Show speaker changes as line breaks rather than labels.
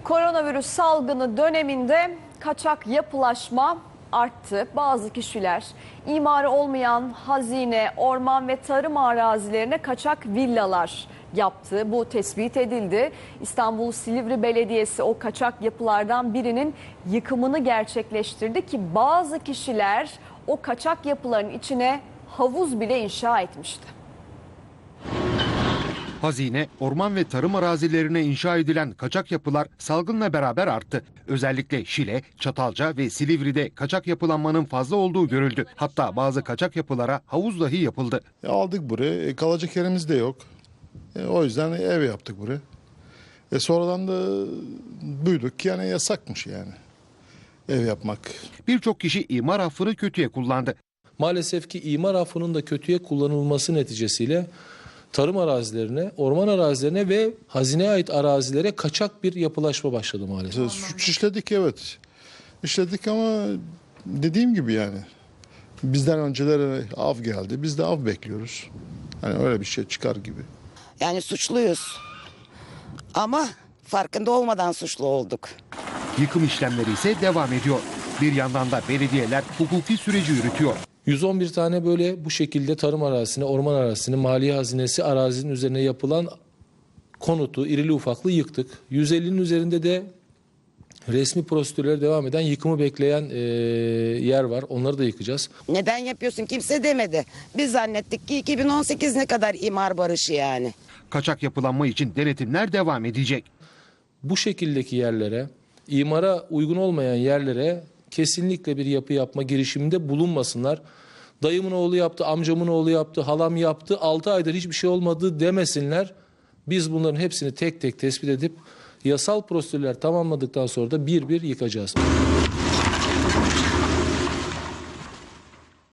Koronavirüs salgını döneminde kaçak yapılaşma arttı. Bazı kişiler imarı olmayan hazine, orman ve tarım arazilerine kaçak villalar yaptı. Bu tespit edildi. İstanbul Silivri Belediyesi o kaçak yapılardan birinin yıkımını gerçekleştirdi ki bazı kişiler o kaçak yapıların içine havuz bile inşa etmişti.
Hazine, orman ve tarım arazilerine inşa edilen kaçak yapılar salgınla beraber arttı. Özellikle Şile, Çatalca ve Silivri'de kaçak yapılanmanın fazla olduğu görüldü. Hatta bazı kaçak yapılara havuz dahi yapıldı.
Aldık buraya, kalacak yerimiz de yok. O yüzden ev yaptık buraya. Sonradan da duyduk ki yani yasakmış yani ev yapmak.
Birçok kişi imar affını kötüye kullandı.
Maalesef ki imar affının da kötüye kullanılması neticesiyle tarım arazilerine, orman arazilerine ve hazineye ait arazilere kaçak bir yapılaşma başladı maalesef.
Suç işledik, evet. İşledik ama dediğim gibi yani bizden öncelere av geldi. Biz de av bekliyoruz. Hani öyle bir şey çıkar gibi.
Yani suçluyuz ama farkında olmadan suçlu olduk.
Yıkım işlemleri ise devam ediyor. Bir yandan da belediyeler hukuki süreci yürütüyor.
111 tane böyle bu şekilde tarım arazisine, orman arazisine, maliye hazinesi arazinin üzerine yapılan konutu irili ufaklı yıktık. 150'nin üzerinde de resmi prosedürlere devam eden yıkımı bekleyen yer var. Onları da yıkacağız.
Neden yapıyorsun kimse demedi. Biz zannettik ki 2018 ne kadar imar barışı yani.
Kaçak yapılanma için denetimler devam edecek.
Bu şekildeki yerlere, imara uygun olmayan yerlere kesinlikle bir yapı yapma girişiminde bulunmasınlar. Dayımın oğlu yaptı, amcamın oğlu yaptı, halam yaptı, 6 aydır hiçbir şey olmadı demesinler. Biz bunların hepsini tek tek tespit edip yasal prosedürler tamamladıktan sonra da bir bir yıkacağız.